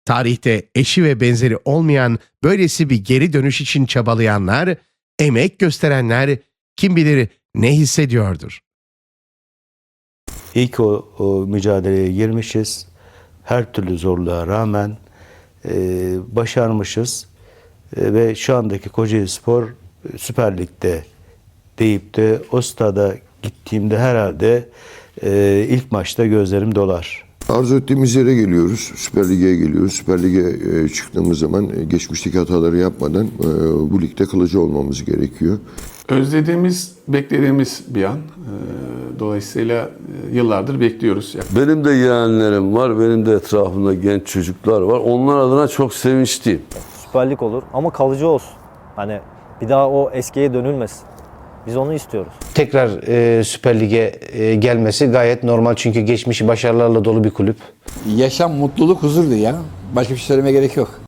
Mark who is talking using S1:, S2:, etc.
S1: Tarihte eşi ve benzeri olmayan böylesi bir geri dönüş için çabalayanlar, emek gösterenler kim bilir ne hissediyordur.
S2: İlk o mücadeleye girmişiz. Her türlü zorluğa rağmen başarmışız. Ve şu andaki Kocaelispor Süper Lig'de deyip de o stada gittiğimde herhalde ilk maçta gözlerim dolar.
S3: Arzu ettiğimiz yere geliyoruz. Süper Lig'e geliyoruz. Süper Lig'e çıktığımız zaman geçmişteki hataları yapmadan bu ligde kalıcı olmamız gerekiyor.
S4: Özlediğimiz, beklediğimiz bir an. Dolayısıyla yıllardır bekliyoruz.
S5: Benim de yeğenlerim var, benim de etrafımda genç çocuklar var. Onlar adına çok sevinçliyim.
S6: Süper Lig olur ama kalıcı olsun. Hani bir daha o eskiye dönülmesin. Biz onu istiyoruz.
S7: Tekrar Süper Lig'e gelmesi gayet normal çünkü geçmişi başarılarla dolu bir kulüp.
S8: Yaşam, mutluluk, huzurdu ya. Başka bir şey söylemeye gerek yok.